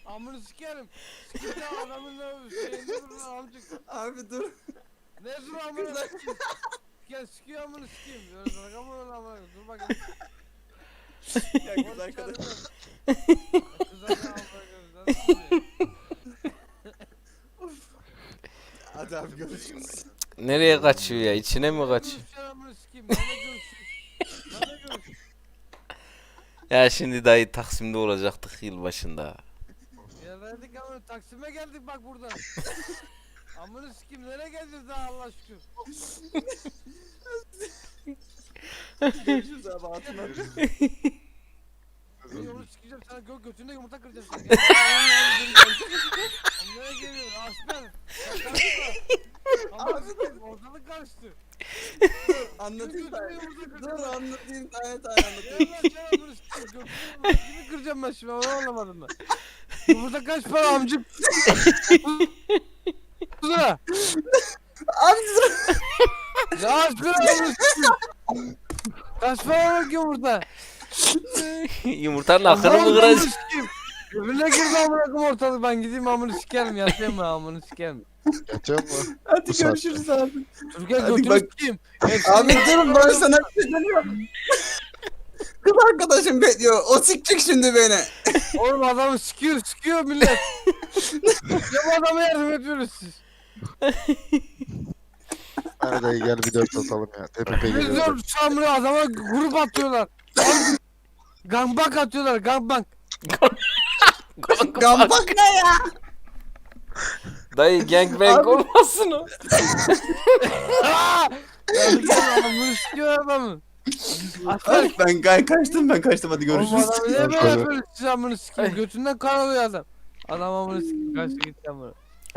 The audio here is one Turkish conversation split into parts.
Amını sikerim. Sikip de adamın şeyini vurun amcık. Abi dur. Ne dur amını sikeyim. Gel sikiyor amını sikeyim. Böyle dalga mı öyle amına dur bakayım. Ya kız arkadaş. Kıza ne amına koyayım. Hadi abi görüşürüz. Nereye kaçıyor ya? İçine mi kaçıyor? Görüşeceğim amını sikeyim. Ben de görüşeyim. Ben de görüşeyim. Ya şimdi dayı Taksim'de olacaktık yılbaşında. Geldik amına Taksim'e geldik bak burada. Amını sikeyim nereye geleceğiz daha Allah şükür. Görüşürüz abi hatun abi. Bir onu sikeceğim sana götünde yumurta kıracağım seni. Nereye geliyorsun aslan? Amına sikeyim ortalık karıştı. Dur anlatayım Götünde sana. yumurta Dur kıracağım. anlatayım tane tane anlatayım. Gel lan gel amını sikeyim götünde yumurta kimi kıracağım ben şimdi onu anlamadım ben. Yumurta kaç para amcık? 30 lira. Abi dur. Ya aç lira amını sikeyim. Kaç para bak yumurta? Yumurtanın akını mı kıracak? Öbürüne girdi amına koyayım ortalık ben gideyim amını sikerim yatayım ben amını sikerim. Yatıyor mu? Hadi Bu saatte. görüşürüz abi. Türkiye Hadi götünü bak. sikeyim. Abi dur ben sana bir şey demiyorum. Kız arkadaşım bekliyor. O sikecek şimdi beni. Oğlum adamı sikiyor millet. Ya bu adama yardım ediyoruz siz. Hadi dayı gel bir dört atalım ya. Tepe Biz geliyor. diyorum Şamlı adama grup atıyorlar. Gangbang atıyorlar gangbang. Gambak ne ya? Dayı gangbang olmasın o. Gel adamı sikiyor adamı. Aslan. Ben kaçtım hadi Oğlum görüşürüz. adamı niye böyle Görüşürüz. yapıyorsun siz amını sikeyim. Götünden kan alıyor adam. Adam amını sikeyim kaçtı gitti amına.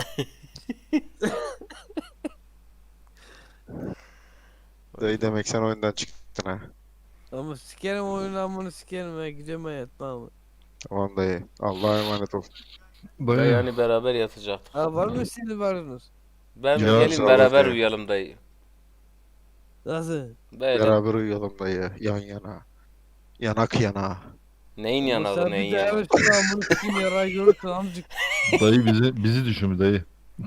Dayı demek sen oyundan çıktın ha. Ama sikerim oyunu amını sikerim ya gidiyorum ben yatmam. Tamam dayı. Allah'a emanet ol. Dayı hani beraber yatacaktık. Ha var mı şimdi varınız? Ben Ya, gelin sağ ol beraber dayı. uyuyalım dayı. Nasıl? Böyle. Beraber uyuyalım dayı. Yan yana. Yanak yana. Neyin Sen yanağı bir neyin de yanağı? evet şu amını sikeyim yarayı görürsün amcık. Dayı bizi düşün dayı.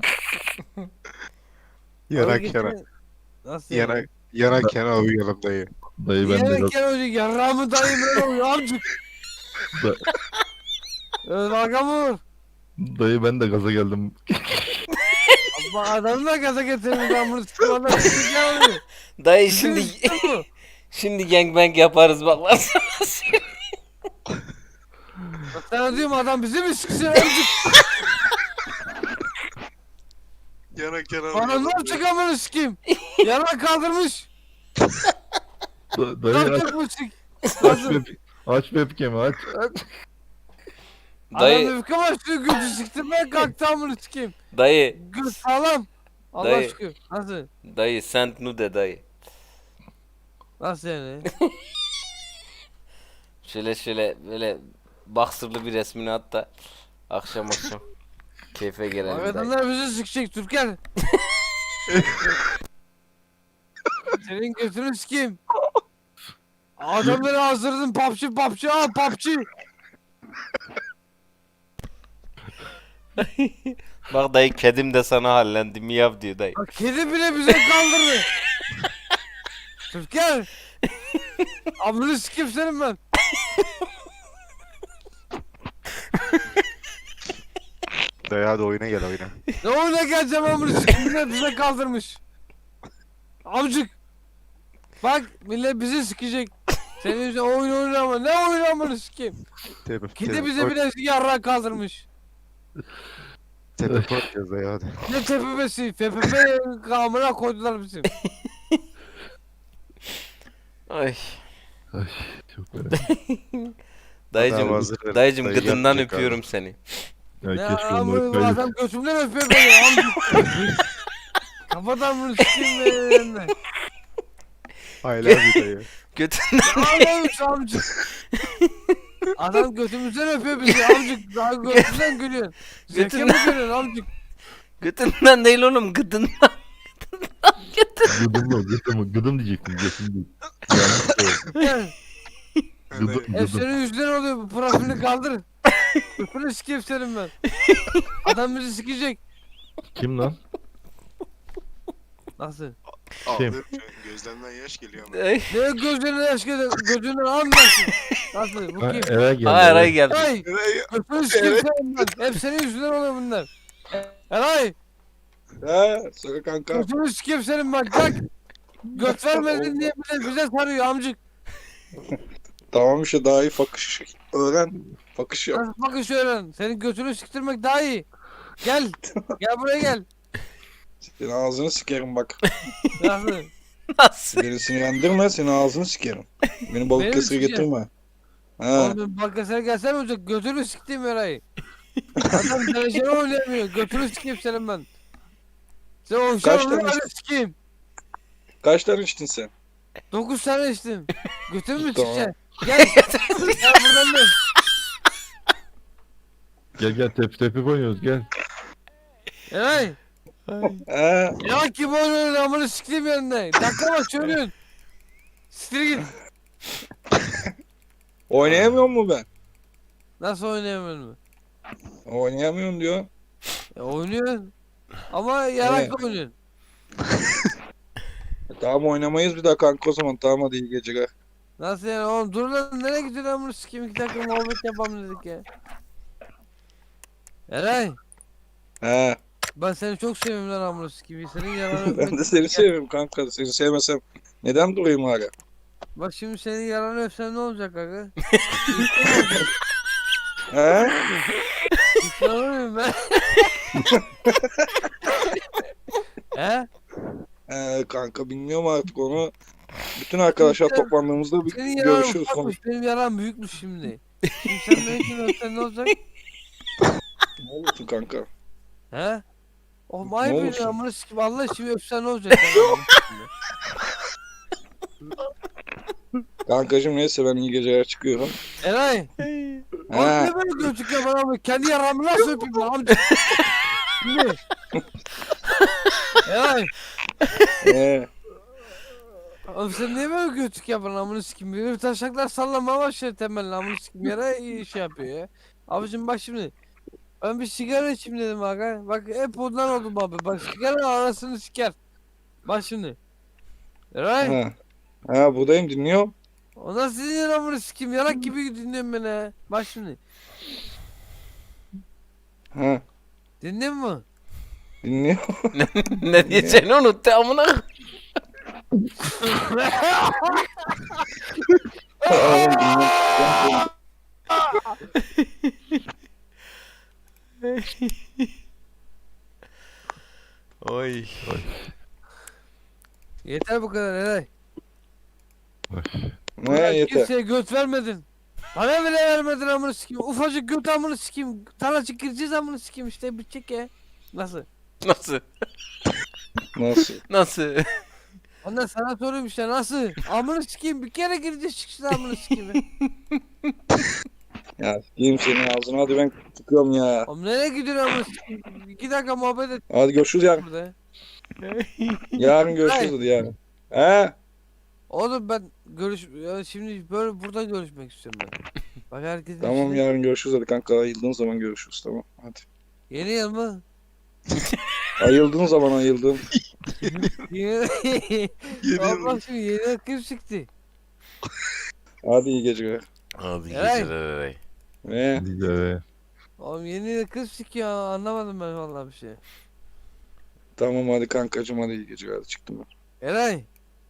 Yanak yana. Nasıl yani? Yanak yana uyuyalım dayı. Dayı ben de Yemek gel önce yarrağımı dayım öyle oluyor amcık. Da- Dalga mı vur? dayı ben de gaza geldim. Ama adamı da gaza getirmiş ben bunu sikeyim adam sikeyim oluyor. Dayı şimdi gangbang yaparız bak lan sana. Sana diyorum adam bizi mi siksin amcık? Yanak yana Bana ne yapacak amını sikeyim? Yarak kaldırmış. Dayı aç, Kalkacak mı sik? aç, aç webcam'i aç. Adam Dayı öfke başlıyor götü siktirmeye kalktı amını sikeyim. dayı Göt sağlam. Allah Dayı. şükür. Nasıl? dayı send nude dayı. Nasıl yani? Şöyle böyle baksırlı bir resmini at da akşam keyfe gelelim dayı. Adamlar bizi sikecek Türker. Senin götünü sikeyim. Adamları hazırladın PUBG PUBG. Bak dayı kedim de sana hallendi miyav diyor dayı. Bak kedi bile bize kaldırdı. Türker. Amını sikeyim senin ben. Dayı hadi oyuna gel oyuna. Ne oyuna geleceğim amını sikeyim millet bize kaldırmış. Amcık. Bak millet bizi sikecek. Senin yüzünden oyun oynama. Ne oyun amını sikeyim. Kedi bize bile yarrağı kaldırmış. Tepe koyacağız dayı hadi. Ne tepemesi? FPP kamera koydular bizim. Ay Ay, çok merak. dayıcım hazır verin. dayıcım Dayı gıdından yapacak öpüyorum seni. Ya Ne keşke onları amını kaydet. adam götümden öpüyor beni amcık. Kafadan bunu sikeyim beni. I love you dayı. Götünden Ağlamış amcık. Adam götümüzden öpüyor bizi amcık. Daha götümden gülüyorsun. Zevke mi gülüyorsun amcık? götünden değil oğlum gıdından. Gıdım diyecektim gıdım değil. Yanlış söyledim. Gel. Gıdım Hep gıdım. senin yüzünden oluyor bu profilini kaldır. Götünü sikeyim senin ben. Adam bizi sikecek. Kim lan? Nasıl? Ağlıyorum şu an. Gözlemden yaş geliyor ama. Ay. Ne gözlerine yaş geliyor? Gözünden anlarsın. Nasıl? Bu Ha, kim? Eray geldi. Aa Eray geldi. Eray! Götünü sikeyim senin ben. Hep senin yüzünden oluyor bunlar. Eray! He söyle kanka. Götünü sikeyim senin bak. Bak. Göt vermedin diye bize sarıyor amcık. Tamam işte daha iyi fakış öğren. Fakış yap. Nasıl bakış öğren. Senin götünü siktirmek daha iyi. Gel. Gel buraya gel. Senin ağzını sikerim bak. Nasıl? Nasıl? Beni sinirlendirme senin ağzını sikerim. Beni Beni balık kesire sikeceksin. getirme. He. Oğlum Bakkasar'a gelsene olacak. Götünü siktiğim Eray'ı. Adam dereceli oynayamıyor. Götünü sikeyim senin ben. Sen o Kaç şarjı tane öyle sikeyim. Kaç tane içtin sen? 9 tane içtim. Götümü mü Tamam. sikeceksin? Gel. Gel buradan dön. Gel tepi oynuyoruz gel. Eray. He. Ya kim oynuyor amını siktiğim yerinde. Dakika bak söylüyorsun. Siktir git. Oynayamıyor mu ben? Nasıl oynayamıyorum? Oynayamıyorum diyor. Oynuyorsun. Ama yarak oynuyorsun. Tamam oynamayız bir daha kanka o zaman. Tamam hadi iyi geceler. Nasıl yani oğlum dur lan nereye gidiyorsun amını sikeyim 2 dakika muhabbet yapalım dedik ya. Eray. He. Ben seni çok seviyorum lan amına sikeyim. Senin yalanı Ben de seni seviyorum kanka. Seni sevmesem neden durayım hala? Bak şimdi senin yalanı öpsem ne olacak aga? He? İnanamıyorum ben. He? Kanka bilmiyorum artık onu. Bütün arkadaşlar toplandığımızda bir Senin yalanın görüşürüz. ufakmış, benim yalan büyükmüş şimdi. Şimdi sen beni öpsen ne olacak? Ne olursun kanka? He? Oğlum Ne ayıp olursun? ya amına sikeyim Allah için öpsen ne olacak? Yani? Kankacım neyse ben iyi geceler çıkıyorum. Eray! He. Oğlum ne böyle gözlük ya bana abi? Kendi yaramı nasıl öpeyim lan amca? Şimdi. Eray! He. Oğlum sen niye böyle gözlük yapıyorsun amına sikeyim? Bir taşaklar sallamaya başladı temelli amına sikeyim. Yara iyi şey yapıyor ya. Abicim bak şimdi. Ben bir sigara içeyim dedim aga. Bak hep ondan oldum abi. Bak sigara arasını siker. Bak şimdi. Eray! He. Ha buradayım dinliyorum. O nasıl dinliyor amına sikeyim? Yarak gibi dinliyorsun beni ha. Bak şimdi. Ha Dinliyor musun? dinliyorum. Ne diyeceğini unuttu amına. Oy. Yeter bu kadar Eray. Ne yeter. Kimseye göt vermedin. Bana bile vermedin amına sikeyim. Ufacık göt amına sikeyim. Tanacık gireceğiz amına sikeyim işte bitecek ya. Nasıl? Nasıl? Nasıl? Nasıl? Ondan sana soruyorum işte nasıl? Amına sikeyim bir kere gireceğiz çıksın amına sikeyim. Ya sikeyim senin ağzına hadi ben çıkıyorum ya. Oğlum nereye gidiyorsun amına sikeyim? 2 dakika muhabbet et Hadi görüşürüz yarın. burada. Yarın görüşürüz hadi yarın. He? Oğlum ben ya şimdi böyle burada görüşmek istiyorum ben. Bak herkesin Tamam içinde- yarın görüşürüz hadi kanka ayıldığın zaman görüşürüz tamam hadi. Yeni yıl mı? Ayıldığın zaman ayıldığın. Yeni Allah şimdi yeni yıl kim çıktı? Hadi iyi geceler. Hadi Eray. geceler Eray. Ne? Güzel. Oğlum yeni yıl kız sikiyor anlamadım ben vallahi bir şey. Tamam hadi kankacım hadi iyi geceler hadi çıktım ben. Eray.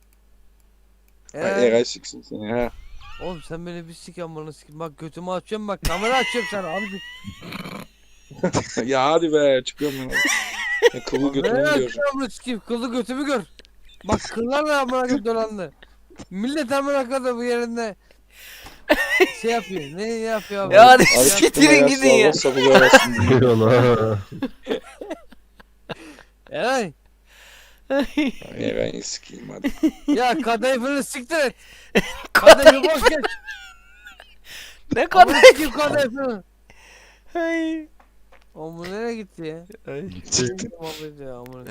Ay, Eray siksin seni ha. Oğlum sen beni bir sik amına sikim. Bak götümü açıyorum bak kamera açıyorum sana abi. Ya hadi be çıkıyorum ben. Ya, kılı götümü Nereye diyorum. açıyorum amına sikim? Kıllı götümü gör. Bak kıllarla amına koyayım dolandı. Millet amına koyayım bu yerinde. Şey yapıyor. Ne yapıyor abi? Ya hadi Hadi getirin çıktım ya, gidin ya. sağ ol, sabır arasın. Eyvallah. Eray. Eray'ı sikeyim hadi. Ya kadayıfını siktir et. Kadayıfı boş geç. Ne Amına kadar? sikim kadayıfını. Ay. Oğlum bu nereye gitti ya? Ay. Muhabbet ya amına.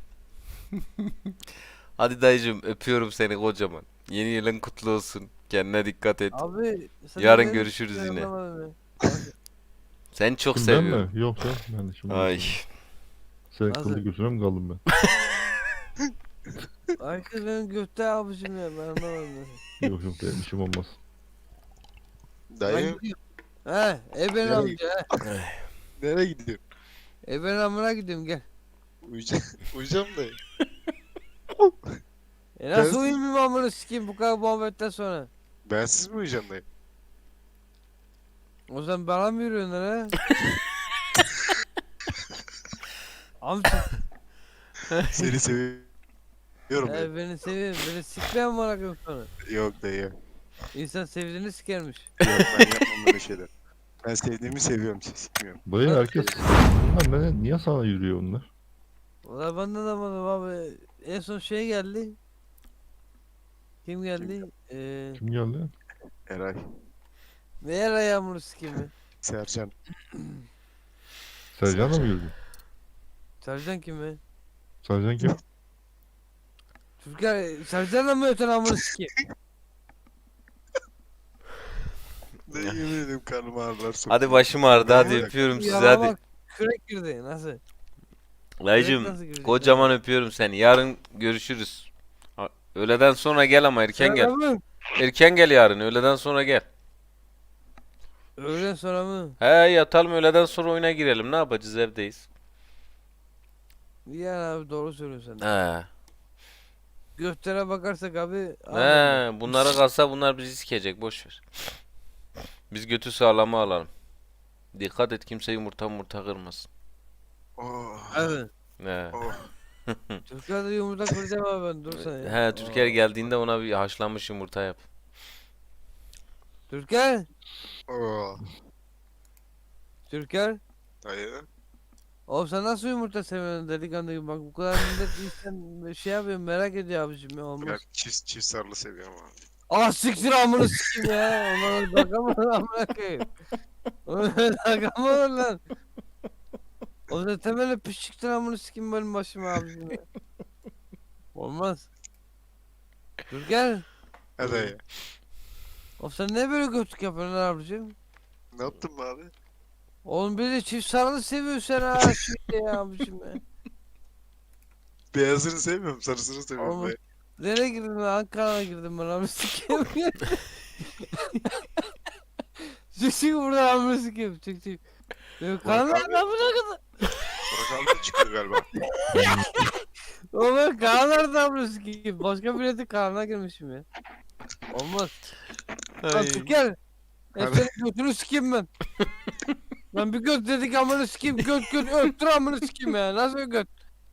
Hadi dayıcım öpüyorum seni kocaman. Yeni yılın kutlu olsun. Kendine dikkat et. Abi sen Yarın ne görüşürüz diyorsun yine. anlamadım ya. Sen çok Kim, ben seviyorum. mi? Yok ya. Ben de şimdi. Ay. Sen Nasıl? kıllı gözüne mi kaldım ben? Herkes benim gökte abicim ya ben anlamadım. Yok yok benim işim olmaz. Ben Dayı gidiyorum. He, Eben Nereye amca he. nereye gidiyorsun? Eben amına gidiyorum gel. Uyuyacağım dayı. Nasıl Gel. uyumayayım amına sikeyim bu kadar muhabbetten sonra. Bensiz mi uyuyacaksın dayı? O zaman bana mı yürüyorsun lan he? Amca. Seni seviyorum dayı. Beni seviyorum. Beni sikmeyen bana koyayım sonra. Yok dayı. Yok İnsan sevdiğini sikermiş. ben yapmam böyle şeyler. Ben sevdiğimi seviyorum, sikmiyorum. Dayı herkes. Bunlar niye sana yürüyor onlar? Valla ben de anlamadım abi. En son şey geldi. Kim geldi? Kim geldi? Eray, Ne yara yağmuru sikeyim mi? Sercan. Sercan da mı yürüdü? Sercan kim mi? Sercan kim? Türker Sercan'la mı öten amını sikeyim? Dayı yemin ederim karnım ağrılar sokuyor. Hadi başım ağrıdı hadi Evet. öpüyorum sizi Yara hadi. bak kürek girdi nasıl? Dayıcım nasıl girecek kocaman öpüyorum seni. Yarın görüşürüz. Öğleden sonra gel ama erken gel. Sonra mı? Erken gel yarın öğleden sonra gel. Öğlen sonra mı? He yatalım öğleden sonra oyuna girelim. Ne yapacağız evdeyiz. Yani abi doğru söylüyorsun sen. He. Göklere bakarsak abi. He bunlara kalsa bunlar bizi sikecek boş ver. Biz götü sağlama alalım. Dikkat et kimse yumurta kırmasın. Oh, Evet. He. oh. Türkiye'de yumurta kıracağım abi ben dur sen ya. He Türkiye geldiğinde ona bir haşlanmış yumurta yap. Türker. Oh. Türker. Dayı. Oğlum sen nasıl yumurta seviyorsun delikanlı gibi bak bu kadar millet insan şey yapıyor merak ediyor abicim ya olmaz. Ben çift sarılı seviyorum abi. Ah siktir amını sikeyim ya. Onlara bakamam amına koyayım. Onlara bakamam lan. O da temelde pişiktir amını sikeyim benim başıma abicim ya. Olmaz. Dur gel. He dayı. Oğlum sen ne böyle götlük yapıyorsun lan abicim? Ne yaptın be abi? Oğlum bir de çift sarılı seviyorsun sen ha şimdi ya abicim ya. Beyazını sevmiyorum, sarısını seviyorum Oğlum, dayı. nereye girdin lan? Ankara'ya girdim ben amını sikeyim ya. Çık buradan amını sikeyim çık. Benim kanım abi. amına kadar. Burak abi çıkıyor galiba. Oğlum ben kanlarda amını sikeyim. Başka milletin kanına girmişim ya. Olmaz. Lan Türker. Abi. Senin götünü sikeyim ben. Lan bir göt dedik amını sikeyim. Göt öttür amını sikeyim ya. Nasıl bir göt?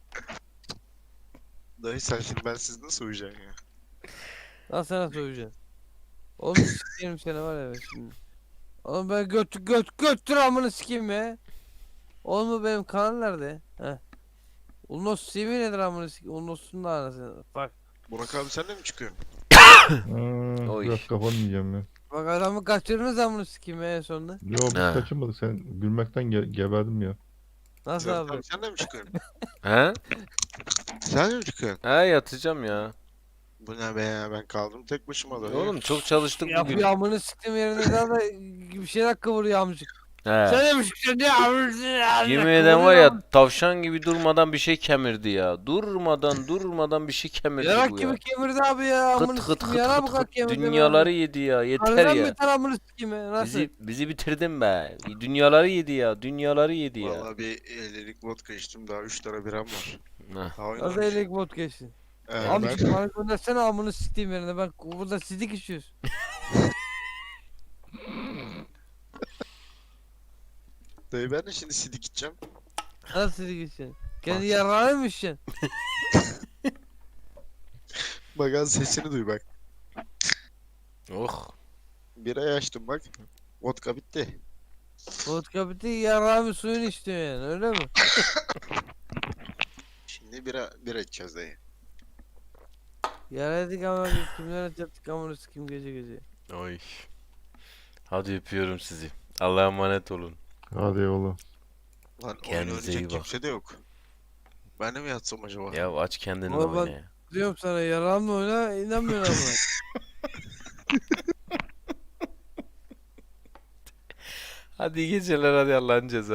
Dayı sen şimdi bensiz nasıl uyuyacaksın ya? Lan sana söyleyeceğim. Oğlum sikeyim seni var ya ben şimdi. Oğlum ben göttür amını sikeyim ya. Oğlum bu benim kanal nerede? Heh. Ulnos CV nedir amını sikeyim? Ulnos'un da anasını. Bak. Burak abi sen de mi çıkıyorsun? Oy. Biraz kafanı yiyeceğim ya. Bak adamı kaçırdınız amını sikeyim ya en sonunda. Yo biz Ha. kaçırmadık sen gülmekten geberdim ya. Nasıl Burak abi? abi sen de mi çıkıyorsun? He? Sen de mi çıkıyorsun? He yatacağım ya. Bu ne be ya, ben kaldım tek başıma da. Oğlum çok çalıştık bugün. Yapıyor amını siktim yerine daha da bir şeyler kıvırıyor amcık. He. Sen demişsin ne amcık? Yemin eden var ya tavşan gibi durmadan bir şey kemirdi ya. Durmadan bir şey kemirdi Yarak bu ya. gibi kemirdi abi ya amını Kıt kıt siktim kıt yara bu kıt kadar kıt kemirdi. dünyaları yedi ya yeter Harbiden ya. beter amını sikeyim ya nasıl? Bizi bitirdin be. Dünyaları yedi ya. Dünyaları yedi ya. Valla bir 50'lik vodka içtim, daha 3 tane biram var. Heh. Daha Nasıl oynamış. elik bot geçti? Ben... Amcık bana göndersene amını sikeyim yerine bak burada sidik içiyoruz. Dayı ben de şimdi sidik içeceğim. Nasıl sidik içiyorsun? Kendi yarrağını mı içeceksin? Bak az sesini duy bak. Oh. Birayı açtım bak. Vodka bitti. Vodka bitti yarrağımı suyunu içtin yani öyle mi? Şimdi bira içeceğiz dayı. Yaraydık ama kimler atacaktık amını sikeyim gece gece. Oy. Hadi öpüyorum sizi. Allah'a emanet olun. Hadi eyvallah. Lan oyun Kendinize iyi oynayacak bak. kimse de yok. Ben de mi yatsam acaba? Ya aç kendini de Ama ben- oyna ya. Diyorum sana yarrağımla oyna inanmıyorum ama. Hadi iyi geceler, hadi Allah'ın cezası.